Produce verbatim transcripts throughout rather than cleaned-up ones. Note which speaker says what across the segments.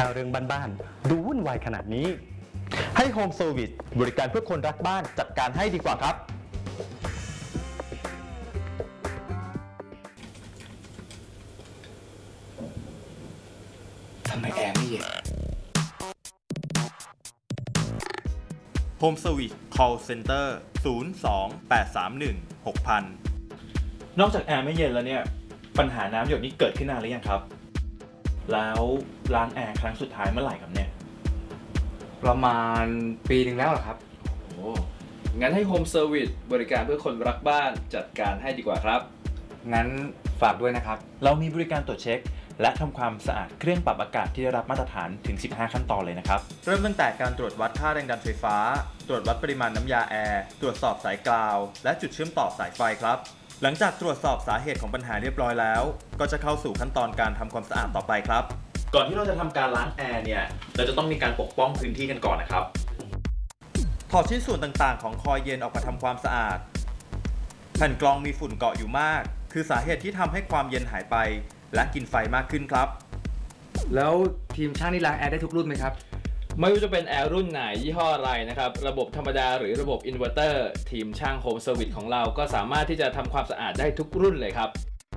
Speaker 1: ถ้าเรื่องบ้านๆดูวุ่นวายขนาดนี้
Speaker 2: ให้ Home Service บริการเพื่อคนรักบ้านจัดการให้ดีกว่าครับ
Speaker 3: ทำไมแอร์ไม่เย็น
Speaker 2: Home Service Call Center ศูนย์ สอง แปด สาม หนึ่ง หก ศูนย์ ศูนย์ นอกจากแอร์ไม่เย็นแล้วเนี่ยปัญหาน้ำหยดนี้เกิดขึ้นนานหรือยังครับแล้วล้างแอร์ครั้งสุดท้ายเมื่อไหร่ครับเนี่ย
Speaker 3: ประมาณปีหนึ่งแล้วเหรอครับโอ้งั้นให้ Home Service บริการเพื่อคนรักบ้านจัดการให้ดีกว่าครับงั้นฝากด้วยนะครับ
Speaker 2: เรามีบริการตรวจเช็คและทำความสะอาดเครื่องปรับอากาศที่ได้รับมาตรฐานถึงสิบห้าขั้นตอนเลยนะครับเริ่มตั้งแต่การตรวจวัดค่าแรงดันไฟฟ้าตรวจวัดปริมาณน้ำยาแอร์ตรวจสอบสายกราวและจุดเชื่อมต่อสายไฟครับหลังจากตรวจสอบสาเหตุของปัญหาเรียบร้อยแล้วก็จะเข้าสู่ขั้นตอนการทำความสะอาดต่อไปครับก่อนที่เราจะทำการล้างแอร์เนี่ยเราจะต้องมีการปกป้องพื้นที่กันก่อนนะครับถอดชิ้นส่วนต่างๆของคอยเย็นออกมาทำความสะอาดแผ่นกรองมีฝุ่นเกาะอยู่มากคือสาเหตุที่ทำให้ความเย็นหายไปและกินไฟมากขึ้นครับ
Speaker 3: แล้วทีมช่างนี่ล้างแอร์ได้ทุกรุ่นไหมครับไม่ว่าจะเป็นแอร์รุ่นไหนยี่ห้ออะไรนะครับระบบธรรมดาหรือระบบอินเวอร์เตอร์ทีมช่าง Home Service ของเราก็สามารถที่จะทำความสะอาดได้ทุกรุ่นเลยครับ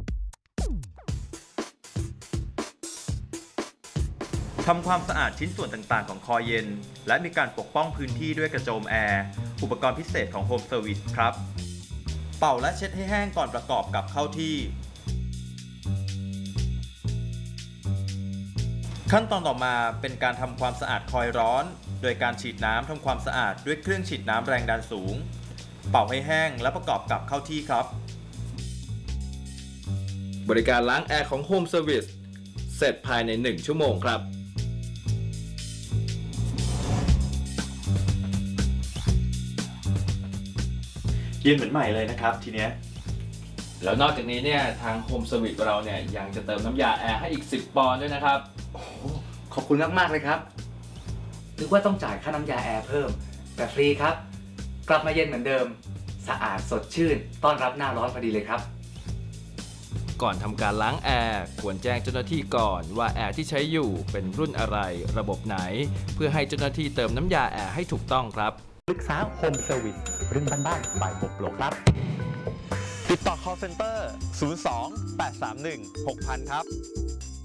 Speaker 2: ทำความสะอาดชิ้นส่วนต่างๆของคอยเย็นและมีการปกป้องพื้นที่ด้วยกระโจมแอร์อุปกรณ์พิเศษของ Home Service ครับเป่าและเช็ดให้แห้งก่อนประกอบกับเข้าที่ขั้นตอนต่อมาเป็นการทำความสะอาดคอยร้อนโดยการฉีดน้ำทำความสะอาดด้วยเครื่องฉีดน้ำแรงดันสูงเป่าให้แห้งและประกอบกับเข้าที่ครับ
Speaker 3: บริการล้างแอร์ของ Home Service เสร็จภายในหนึ่งชั่วโมงครับ
Speaker 2: เย็นเหมือนใหม่เลยนะครับทีเนี้ย
Speaker 3: แล้วนอกจากนี้เนี่ยทาง Home Service เราเนี่ยยังจะเติมน้ำยาแอร์ให้อีกสิบปอนด์ด้วยนะครับโอ้ขอบคุณมากๆเลยครับนึกว่าต้องจ่ายค่าน้ำยาแอร์เพิ่มแต่ฟรีครับกลับมาเย็นเหมือนเดิมสะอาดสดชื่นต้อนรับหน้าร้อนพอดีเลยครับก่อนทำการล้างแอร์ควรแจ้งเจ้าหน้าที่ก่อนว่าแอร์ที่ใช้อยู่เป็นรุ่นอะไรระบบไหนเพื่อให้เจ้าหน้าที่เติมน้ำยาแอร์ให้ถูกต้องครับ
Speaker 1: ปรึกษา Home Service เรื่องบ้านๆ by โฮมโปรครับ
Speaker 2: ติดต่อ call center ศูนย์ สอง แปด สาม หนึ่ง หก ศูนย์ ศูนย์ ครับ